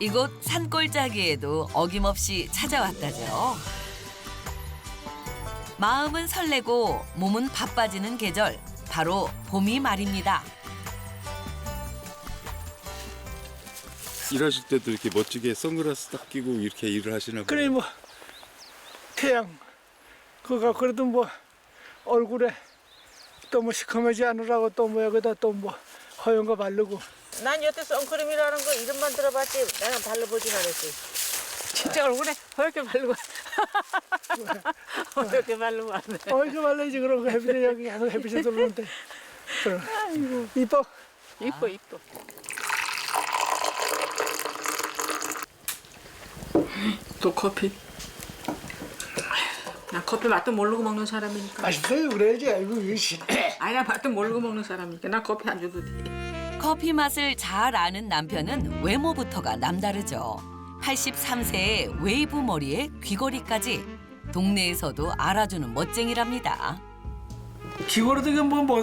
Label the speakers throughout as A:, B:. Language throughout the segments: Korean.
A: 이곳 산골짜기에도 어김없이 찾아왔다죠. 마음은 설레고 몸은 바빠지는 계절, 바로 봄이 말입니다.
B: 일하실 때도 이렇게 멋지게 선글라스 딱 끼고 이렇게 일을 하시나 봐요.
C: 그래 뭐 태양 그거 그래도 뭐 얼굴에 또 뭐 시커매지 않으라고 또 뭐 여기다 또 뭐 허연 거 바르고.
D: 난 여태 선크림이라는 거 이름만 들어봤지 내가 발라보진 않았지. 진짜 얼굴에 허옇게 바르고 허옇게 바르고 왔네.
C: 이거 말라야지 그런 거 햇빛에 여기 계속 햇빛에 들어오는데. 아이고 이뻐.
D: 이뻐 이뻐. 또 커피. 나 커피 맛도 모르고 먹는 사람이니까.
C: 맛있어요 그래야지. 아이고 이씨.
D: 아니 나 맛도 모르고 먹는 사람이니까 나 커피 안 줘도 돼.
A: 커피 맛을 잘 아는 남편은 외모부터가 남다르죠. 83세의 웨이브 머리에 귀걸이까지 동네에서도 알아주는 멋쟁이랍니다.
C: 기고로도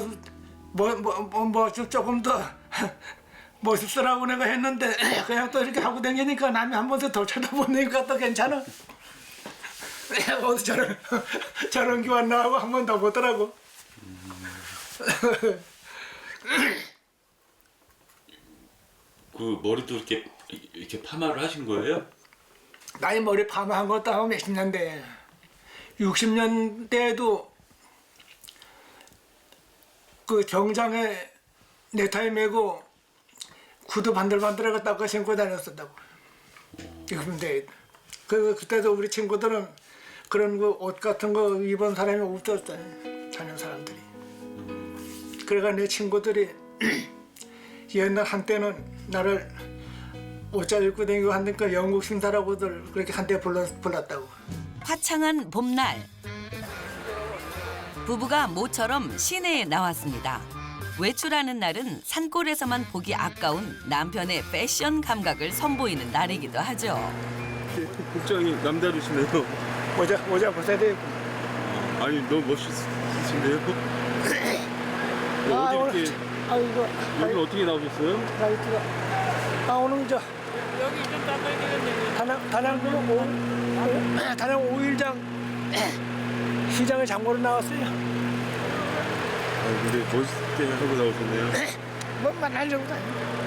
C: 뭐 조금 더 멋있으라고 내가 했는데 그냥 또 이렇게 하고 다니니까 남이 한 번 더 쳐다보니까 또 괜찮아. 어디 저런 기만 나하고 한 번 더 보더라고.
B: 그 머리도 이렇게 파마를 하신 거예요?
C: 나이 머리 파마한 것도 하고 몇십 년대. 60년대에도 그 정장에 넥타이 메고 구두 반들반들하고 닦아 신고 다녔었다고. 근데 그때도 우리 친구들은 그런 거 옷 같은 거 입은 사람이 없었어요. 다른 사람들이. 그래가 내 친구들이 옛날 한때는 나를 옷잘 입고 다니고 하니까 영국 신사라고들 그렇게 한때 불렀다고.
A: 화창한 봄날, 부부가 모처럼 시내에 나왔습니다. 외출하는 날은 산골에서만 보기 아까운 남편의 패션 감각을 선보이는 날이기도 하죠.
B: 복장이 남다르시네요.
C: 모자 벗어야 되고.
B: 아니 너무 멋있으신데요? 어디 이렇게
C: 아이고.
B: 여기 어떻게 나오셨어요?
C: 라이트가. 오늘
D: 여기 좀 닦아야 되겠네.
C: 단양 5일장 시장에 장보러 나왔어요.
B: 근데 멋있게 하고 나오셨네요.
C: 뭐만 하려고 다녀.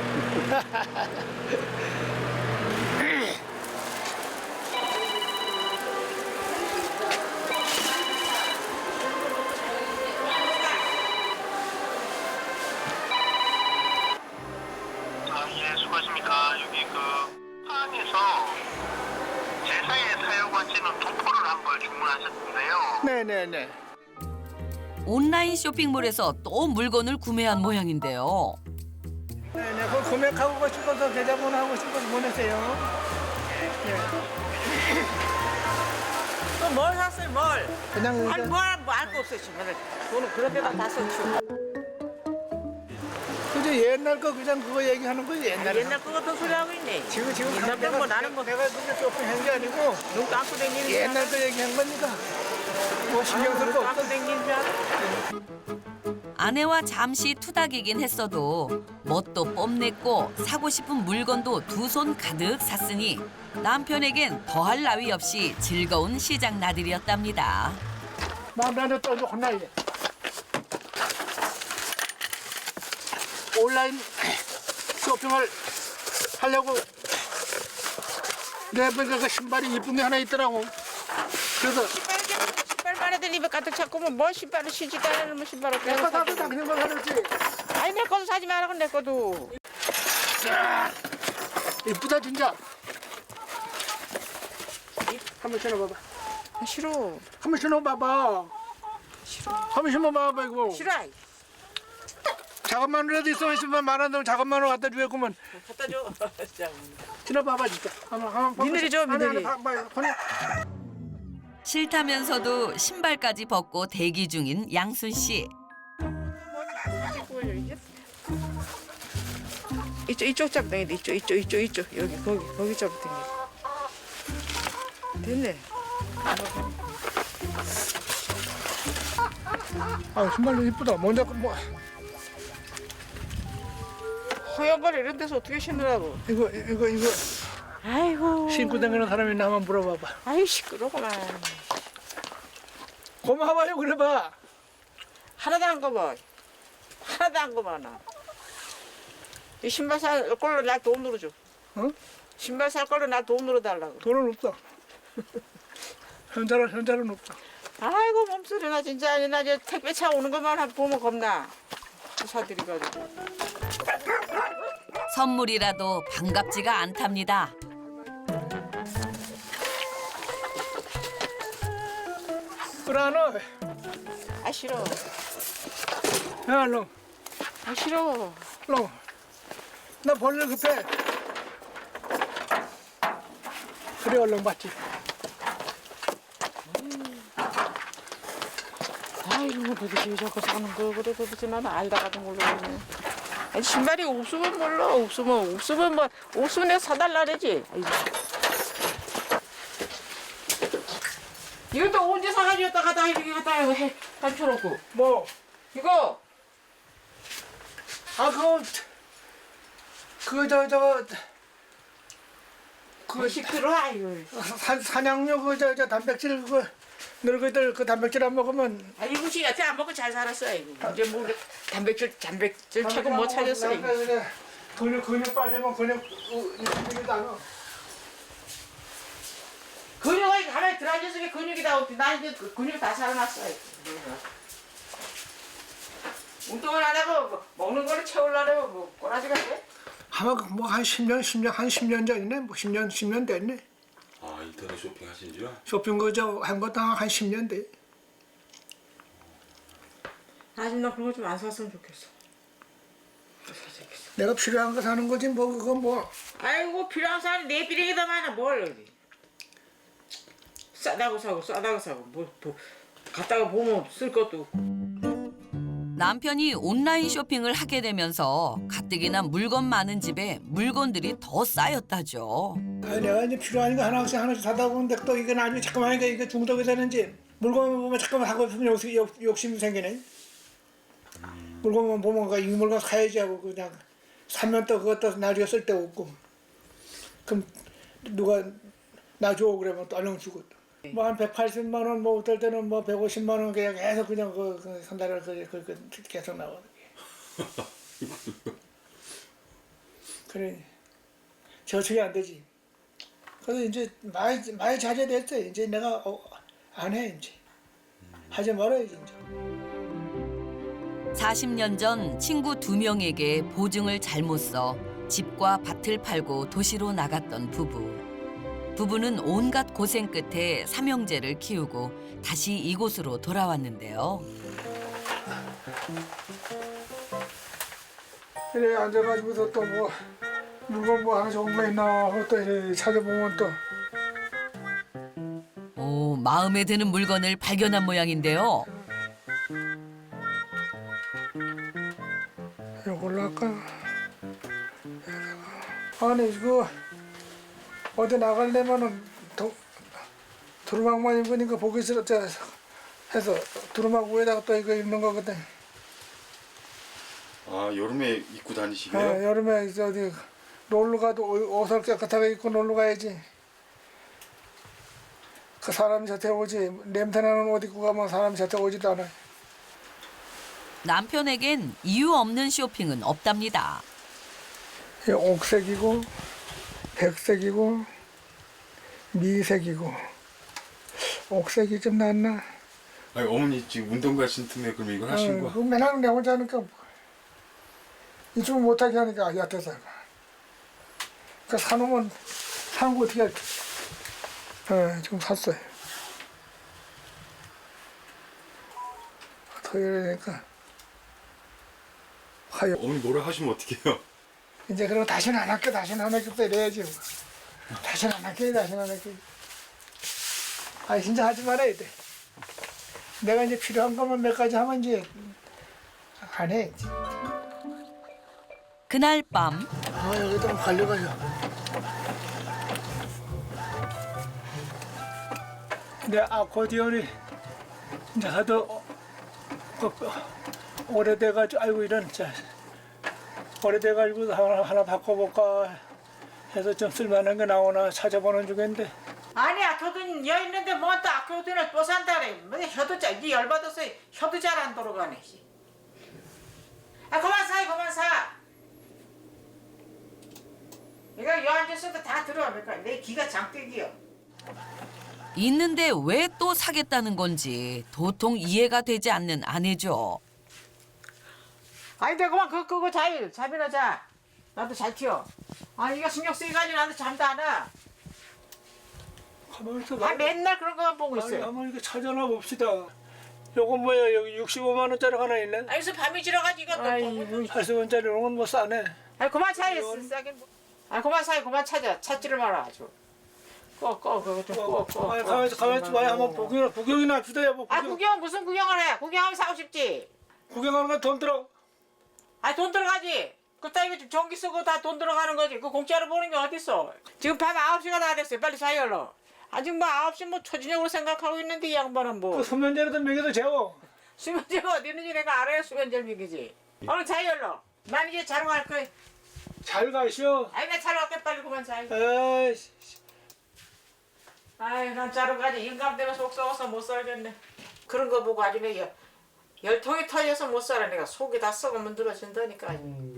E: 예, 수고하십니까. 여기 그 안에서 제사에 사용하시는 도포를 한 걸 주문하셨는데요.
C: 네네네.
A: 온라인 쇼핑몰에서 또 물건을 구매한 모양인데요.
C: 네네. 그 구매하고 싶어서 계좌번호 싶어서 보내세요. 네.
D: 또 뭘 샀어요 뭘?
C: 그냥
D: 아니 뭐알거 없어 지금. 돈은 그런 데다 다 썼죠.
C: 그저 옛날 거 그냥 그거 얘기하는 거지 옛날에.
D: 옛날 거 같은 소리 하고 있네.
C: 지금
D: 옛날 건 뭐 나는 뭐
C: 내가 그게 쇼핑한 게 아니고
D: 눈 감고 다니는
C: 옛날 거 얘기한 거니까 뭐 신경 쓸 거
D: 감고
C: 없어.
D: 다니는 줄 알아?
A: 아내와 잠시 투닥이긴 했어도 멋도 뽐냈고 사고 싶은 물건도 두 손 가득 샀으니 남편에겐 더할 나위 없이 즐거운 시장 나들이었답니다.
C: 나는 또 혼나야 돼. 온라인 쇼핑을 하려고 내 보니까 그 신발이 이쁜 게 하나 있더라고. 그래서
D: 신발만 애들 입에 가득 찼고 뭐 신발을 신지도 않는 뭐 신발을
C: 내가
D: 내가
C: 사도 다 그냥 거 사줬지.
D: 아니 내 것도 사지 말라고 내 것도.
C: 이쁘다 진짜. 한번 신어봐봐.
D: 아, 싫어.
C: 한번 신어봐봐.
D: 싫어.
C: 한번 신어봐봐 이거.
D: 싫어.
C: 작업만이라도 있으면 신발 만원 넣으면 작업만으로 갖다 주겠구만.
D: 갖다 줘. 진짜.
C: 신어봐봐 진짜. 한번
D: 미늘이 줘, 미늘이.
A: 싫다면서도 신발까지 벗고 대기 중인 양순 씨.
D: 이쪽 잡 당겨. 이쪽 여기 거기 잡 당겨. 됐네.
C: 아 신발도 이쁘다. 먼저 뭐
D: 허연 걸 이런 데서 어떻게 신으라고?
C: 이거
D: 아이고.
C: 신고 다니는 사람이 있나 한번 물어봐봐.
D: 아이 시끄러구만.
C: 고마워요 그래봐.
D: 하나도 안 거봐. 하나도 안 거봐 나. 이 신발 살 걸로 나 돈 늘어줘.
C: 어?
D: 신발 살 걸로 나 돈 늘어달라고.
C: 돈은 없어. 현자는 없어.
D: 아이고 몸소리 나 진짜 아니 나 이제 택배차 오는 것만 보면 겁나. 사들이가지고.
A: 선물이라도 반갑지가 않답니다.
C: 그러나
D: 아 싫어.
C: 야 너.
D: 아 싫어.
C: 너. 나 벌레 급해. 그래 얼른 받지.
D: 아이고 도대체 자꾸 사는 거 그래 도대체 나는 알다가도 모르겠네. 아니 신발이 없으면 몰라. 없으면 뭐 없으면 내가 사달라 그러지. 아이고. 이것도 언제 사가지고 갖다가 이렇게 갖다가 해 감춰놓고
C: 뭐?
D: 이거
C: 아
D: 그거 시끄러 아이고.
C: 사냥용 저 단백질 그 늙은이들 그 단백질 안 먹으면
D: 아 이거 씨 여태 안 먹고 잘 살았어 이거. 이제 뭐 단백질 최고 못 찾았어 이거.
C: 근육 빠지면 근육이 다
D: 근육이 가만히 들어앉아서 근육이 다 없지. 나 이제 근육 다 살아났어 이거. 운동을 안 하고 뭐, 먹는 거를 채우려고 뭐 꼬라지가 돼?
C: 아마 뭐한 10년 전이네. 뭐 10년 됐네.
B: 아 인터넷 쇼핑 하신 지요?
C: 쇼핑 그저 한 것도 한 10년 돼.
D: 아직 나 그런 거 좀 안 샀으면 좋겠어.
C: 내가 필요한 거 사는 거지 뭐 그건 뭐.
D: 아이고 필요한 사람이 내 비행기다 많아 뭘. 싸다고 사고 뭐 갔다가 보면 쓸 것도 없고.
A: 남편이 온라인 쇼핑을 하게 되면서 가뜩이나 물건 많은 집에 물건들이 더 쌓였다죠.
C: 아니 내가 이제 필요한 거 하나씩 사다 보는데 또 이게 나중에 잠깐만 하니까 이게 중독이 되는지 물건 보면 잠깐만 사고 싶으면 욕심이 생기네. 물건만 보면 이 물건 사야지 하고 그냥 사면 또 그것도 나중에 쓸 데 없고. 그럼 누가 나 줘 그러면 또 얼른 주고. 뭐 한 180만 원, 뭐 어떨 때는 뭐 150만 원 그냥 계속 그냥 한 달에 계속 나와. 그래 저축이 안 되지. 그래서 이제 많이 자제됐어. 이제 내가 안 해 이제 하지 말아야지 이제.
A: 40년 전 친구 2명에게 보증을 잘못 써 집과 밭을 팔고 도시로 나갔던 부부. 부부는 온갖 고생 끝에 삼형제를 키우고 다시 이곳으로 돌아왔는데요.
C: 그래 앉아가지고서 또 뭐 물건 뭐 하나 좋은 거 있나 또 이렇게 찾아보면 또
A: 오, 마음에 드는 물건을 발견한 모양인데요.
C: 이걸로 할까? 아니 이거 어디 나가려면은 두루마기만 입으니까 보기 싫었지 해서 두루마기 위에다가 또 이거 입는 거거든.
B: 아 여름에 입고 다니시게요?
C: 여름에 이제 어디 놀러 가도 옷을 깨끗하게 입고 놀러 가야지. 그 사람이 저한테 오지 냄새나는 옷 입고 가면 사람이 저한테 오지도 않아.
A: 남편에겐 이유 없는 쇼핑은 없답니다.
C: 옥색이고 백색이고 미색이고 옥색이 좀 낫나?
B: 아니 어머니 지금 운동 가신 틈에 그럼 이걸 하신 거?
C: 맨날 내 혼자 하니까 이쪽 못하게 하니까 얕아서 그 사놓으면 사는 거 어떻게 할지. 좀 샀어요. 토요일이니까 화요.
B: 어머니 뭐라 하시면 어떡해요?
C: 이제 그러고 다시는 안 할게 또 이래야지. 다시는 안 할게. 아 진짜 하지 말아야 돼. 내가 이제 필요한 것만 몇 가지 하면 이제 안 해.
A: 그날 밤
C: 여기다 갈려가지고. 내 아코디언이 이제 하도 오래돼가지고 아이고 이런 자 오래돼가지고 하나 바꿔볼까 해서 좀 쓸만한 게 나오나 찾아보는 중인데.
D: 아니야, 돈 여 있는데 뭐 또 아껴 돈을 또 산다 그래. 뭐 혀도 이 열받아서 혀도 잘 안 돌아가네. 아 그만 사, 그만 사. 내가 여 앉았어도 다 들어. 그러니까 내 기가 장대기요.
A: 있는데 왜 또 사겠다는 건지 도통 이해가 되지 않는 아내죠.
D: 아니 내가 그만 그거 잠이나 자. 나도 잘 튀어. 아 이거 신경 쓰이가지고 나도 잠도 안 와.
C: 가만히 있어.
D: 아 맨날 그런 거만 보고
C: 아니,
D: 있어요.
C: 한번 이거 찾아나 봅시다. 요거 뭐야? 여기 65만 원짜리 하나 있네.
D: 아 여기서 밤이 지나가지고 이거 또.
C: 80원짜리 이런 건 뭐 싸네.
D: 아 그만 사. 싸긴 뭐. 아 그만 사. 그만 찾지를 마라 아주. 꺼 그거 좀 꺼.
C: 아니, 가만히 있어 봐야 한번 구경이나 합시다 여보.
D: 아 구경 무슨 구경을 해? 구경하면 사고 싶지.
C: 구경하는 건 돈 들어.
D: 아 돈 들어가지. 그따 이거 전기 쓰고 다 돈 들어가는 거지. 그 공짜로 보는 게 어딨어. 지금 밤 9시가 다 됐어요. 빨리 사열러. 아직 뭐 9시 뭐 초저녁으로 생각하고 있는데 이 양반은 뭐.
C: 그 소면제라도 먹여도 재워.
D: 수면제가 어디 있는지 내가 알아야 수면제를 먹이지. 얼른 자열러. 난 이제 자러 갈 거야.
C: 잘 가시오.
D: 아이 나 자러 갈게 빨리 그만 자.
C: 아이씨.
D: 아이 난 자러 가지. 인감 때문에 속 썩어서 못 살겠네. 그런 거 보고 아주 내가 열통이 터져서 못 살아. 내가 속이 다 썩으면 늘어진다니까.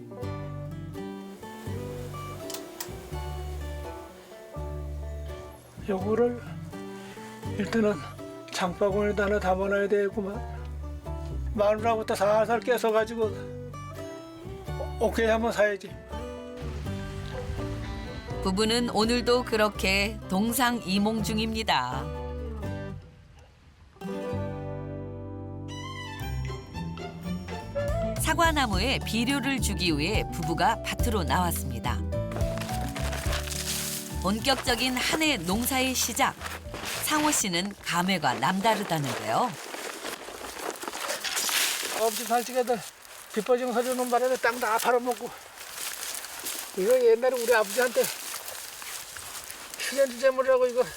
C: 요거를 일단은 장바구니에다 하나 담아놔야 되겠구만. 마누라부터 살살 깨서가지고 오케이 한번 사야지.
A: 부부는 오늘도 그렇게 동상이몽 중입니다. 사과나무에 비료를 주기 위해 부부가 밭으로 나왔습니다. 본격적인 한 해 농사의 시작. 상호 씨는 감회가 남다르다는데요.
C: 아버지 살찌게들 빗버징 서주는 바람에 땅 다 팔아먹고. 이거 옛날에 우리 아버지한테 휴전지 재물이라고 이거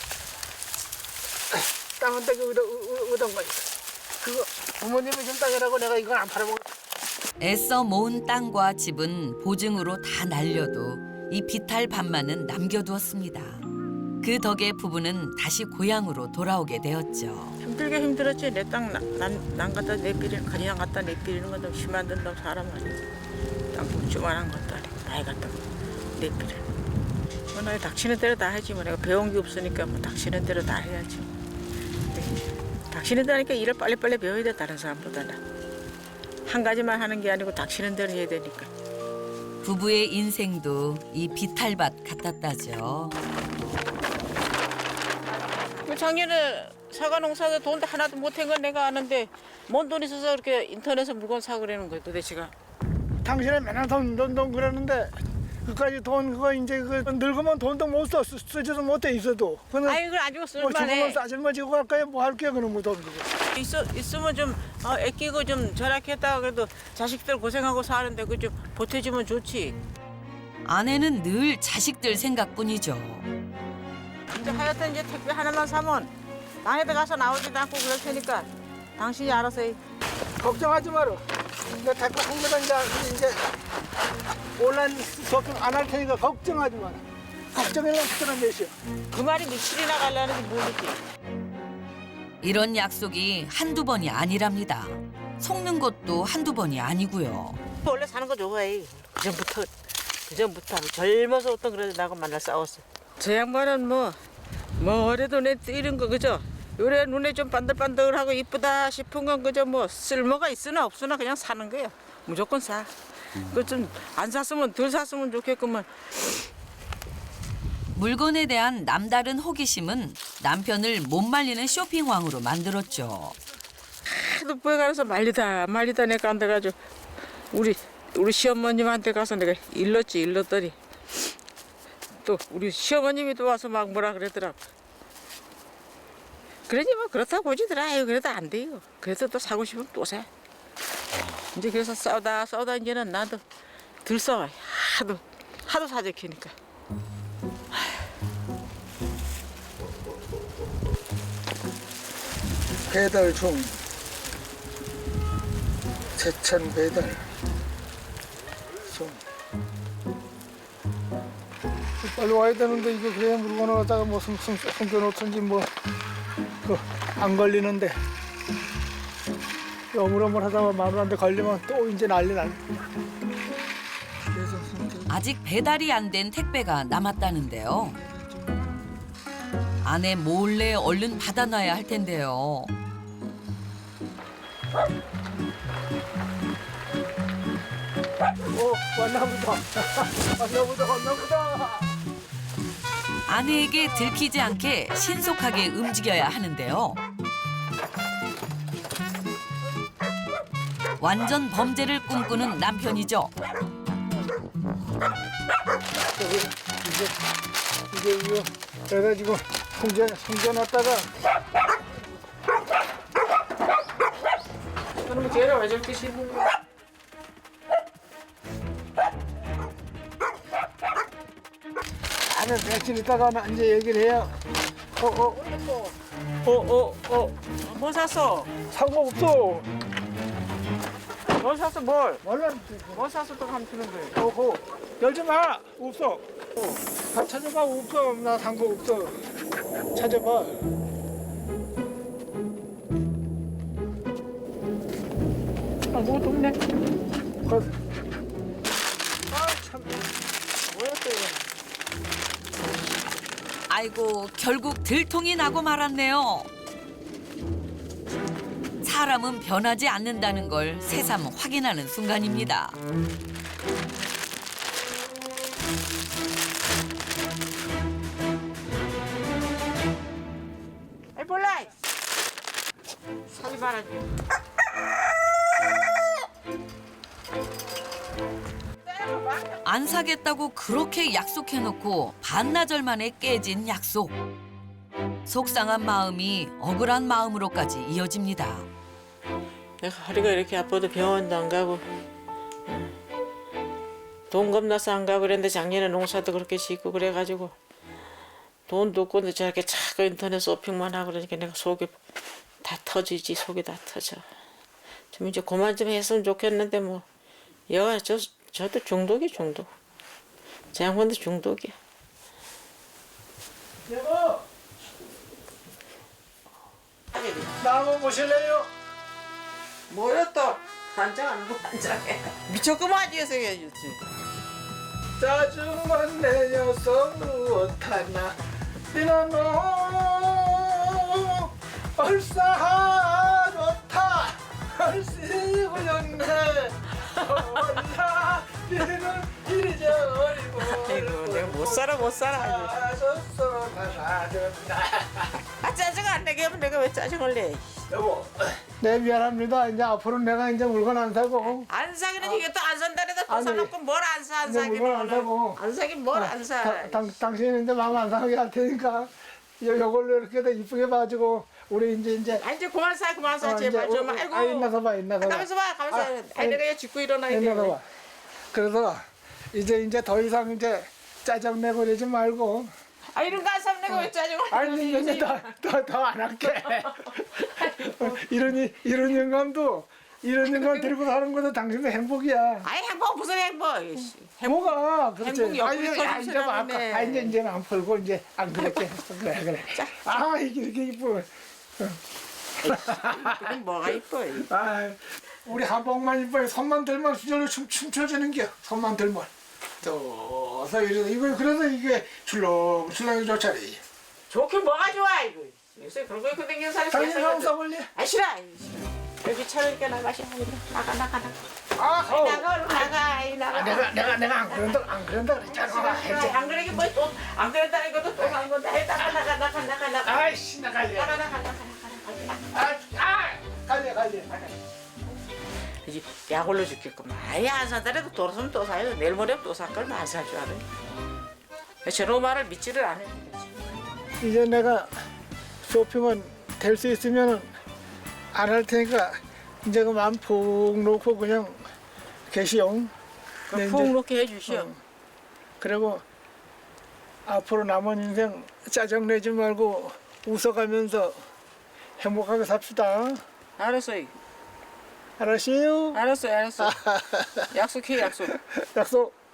C: 땅 한 떼기 얻은 거야. 그거 부모님이 준 땅이라고 내가 이걸 안 팔아먹었어.
A: 애써 모은 땅과 집은 보증으로 다 날려도 이 비탈 밭만은 남겨두었습니다. 그 덕에 부부는 다시 고향으로 돌아오게 되었죠.
D: 힘들게 힘들었지. 내 땅 난 갖다 내비리는 가리랑 갖다 내비리는 건 좀 심한 놈 사람 아니지. 땅 조만한 것도 아니고 많이 갖다 내비를. 뭐 나 닥치는 대로 다 하지 뭐. 내가 배운 게 없으니까 뭐 닥치는 대로 다 해야지. 닥치는 대로 하니까 일을 빨리빨리 배워야 돼. 다른 사람보다는. 한 가지만 하는 게 아니고 닥치는 대로 해야 되니까.
A: 부부의 인생도 이 비탈밭 같았다죠.
D: 작년에 사과 농사도 돈 하나도 못한 건 내가 아는데 뭔 돈 있어서 그렇게 인터넷에 물건 사고 그러는 거야 도대체가.
C: 당신은 맨날 돈 그러는데 그까지 돈 그거 이제 그 늙으면 돈도 못 써. 쓰지도 못해 있어도. 그는
D: 아이 그걸 안 주고
C: 뭐
D: 쓸만해.
C: 죽으면 싸질만 지고 갈까요? 뭐 할게요 그럼 뭐 돈 그거.
D: 있으면 좀 아끼고 좀 절약했다가 그래도 자식들 고생하고 사는데 그 좀 보태주면 좋지.
A: 아내는 늘 자식들 생각뿐이죠.
D: 이제 하여튼 이제 택배 하나만 사면 땅에다 가서 나오지도 않고 그럴 테니까 당신이 알아서 해.
C: 걱정하지 마라. 내가 댓글 한 개당 이제 온라인 쇼핑 안 할 테니까 걱정하지 마라. 걱정이랑 그때는 몇이야.
D: 그 말이 며칠이나 가려는지 모르지.
A: 이런 약속이 한두 번이 아니랍니다. 속는 것도 한두 번이 아니고요.
D: 원래 사는 거 좋아해. 그전부터 젊어서부터 그래도 나하고 만날 싸웠어. 저 양반은 뭐 어려도 내 뛰는 거 그죠? 요래 눈에 좀 반들반들하고 이쁘다 싶은 건 그저 뭐 쓸모가 있으나 없으나 그냥 사는 거야. 무조건 사. 그 좀 안 샀으면 덜 샀으면 좋겠구만.
A: 물건에 대한 남다른 호기심은 남편을 못 말리는 쇼핑왕으로 만들었죠.
D: 하도 부에 가서 말리다 내가 안 돼가지고 우리 시어머님한테 가서 내가 일렀더니 또 우리 시어머님이 또 와서 막 뭐라 그러더라고. 그러니 뭐 그렇다고 보지더라. 아유 그래도 안 돼요. 그래서 또 사고 싶으면 또 사. 이제 그래서 싸우다 이제는 나도 덜 싸워. 하도 사재키니까.
C: 배달 중. 제천 배달 중. 빨리 와야 되는데 이거 그냥 물건을 갖다가 뭐 숨겨놓든지 뭐 그 안 걸리는데 어물어물 하다가 마누라한테 걸리면 또 이제 난리 나네. 그래서
A: 아직 배달이 안 된 택배가 남았다는데요. 아내 몰래 얼른 받아놔야 할 텐데요.
C: 왔나보다. 왔나보다.
A: 아내에게 들키지 않게 신속하게 움직여야 하는데요. 완전 범죄를 꿈꾸는 남편이죠.
C: 이게 이거 그래가지고 숨겨놨다가
D: 그러면 걔를 왜 저렇게 씹는 거야?
C: 안에 며칠 있다가 이제 얘기를 해요.
D: 뭐 샀어?
C: 상관없어.
D: 뭘 샀어 뭘?
C: 몰라.
D: 뭐 샀어 또 감추는 거야?
C: 열지 마. 없어. 다 찾아봐. 없어. 나 산 거 없어. 찾아봐.
D: 아무것도 없네.
C: 참. 뭐야 또 이거.
A: 아이고 결국 들통이 나고 말았네요. 사람은 변하지 않는다는 걸 새삼 확인하는 순간입니다.
D: 아이 몰라. 사지 말아.
A: 안 사겠다고 그렇게 약속해놓고 반나절 만에 깨진 약속. 속상한 마음이 억울한 마음으로까지 이어집니다.
D: 내가 허리가 이렇게 아파도 병원도 안 가고 돈 겁나서 안 가고 그랬는데 작년에 농사도 그렇게 짓고 그래가지고 돈도 없고 근데 저렇게 자꾸 인터넷 쇼핑만 하고 그러니까 내가 속이 다 터지지. 속이 다 터져. 좀 이제 그만 좀 했으면 좋겠는데 뭐 여가 저도 중독이 중독. 제 양반도 중독이야.
C: 여보. 나 한번 보실래요?
D: 뭐야 또 한장 안 보고 한장해. 미쳤구만 뒤에서 해야지.
C: 짜증만 내 녀석 무엇하나 비나노 얼싸 좋다 얼씨구였네 얼라 비는 이리저리고
D: 아이고 내가 못 살아.
C: 사줬어 나사줬나
D: 아 짜증 안 내게 하면 내가 왜 짜증을 내?
C: 여보 네 미안합니다 이제 앞으로 내가 이제 물건 안 사고
D: 안 사기는 이게 또 안 산다래도 또
C: 아니,
D: 사놓고 뭘 안 사 안
C: 이제
D: 사기는
C: 물건 안 사고
D: 안 사긴 뭘 안 사.
C: 당신이 이제 마음 안 상하게 할 테니까 요걸로 이렇게 더 이쁘게 봐주고 우리 이제
D: 아 이제 그만 사 제발 좀 아이고.
C: 있나서 봐
D: 가만있어 봐. 아니 내가 얘 짚고 일어나야 돼.
C: 있나서 봐 그래서 이제 더 이상 이제 짜증 내고 이러지 말고
D: 아 이런 거 안 사면 내가 왜 짜증을
C: 아니 이제 더 안 할게 이런 영감도 이런 영감 들고 사는 것도 당신의 행복이야.
D: 아이 행복 무슨 행복.
C: 뭐가 그렇지.
D: 행복이 옆구리 터진
C: 이제
D: 소리라네.
C: 이제는 안 풀고 이제 안 그렇게 했어. 그래. 아 이렇게 이뻐.
D: 그건 뭐가 이뻐.
C: 아 우리 한복만 이뻐. 손만 들면 수절로 춤춰주는 겨. 손만 들면. 또서 이거 그래서 이게 출렁출렁이 좋잖니.
D: 좋긴 뭐가 좋아 이거. 요새 그런 거 입고 댕기는 사람이
C: 당신
D: 세상에
C: 한번 써볼래?
D: 아 싫어. 여기 차려니까 나가시 나가.
C: 아
D: 나가.
C: 내가 안 그런다 그랬잖아.
D: 안 그러게 뭐또안 그랬다는 것도 또 한 건데 나가.
C: 아이씨 나갈래. 갈래.
D: 이제 약올로 죽겠구만. 아예 안 사더라도 돌아서면 또 사요. 내일 모레 또 살 걸 안 살 줄 알아요. 저런 말을 믿지를 않아요.
C: 이제 내가 쇼핑은 될 수 있으면 안 할 테니까 이제 그 마음 푹 놓고 그냥 계시오. 네,
D: 푹
C: 이제,
D: 놓게 해주시오.
C: 그리고 앞으로 남은 인생 짜증 내지 말고 웃어가면서 행복하게 삽시다.
D: 알았어요.
C: 알았어요?
D: 알았어. 약속해 약속.
C: 약속.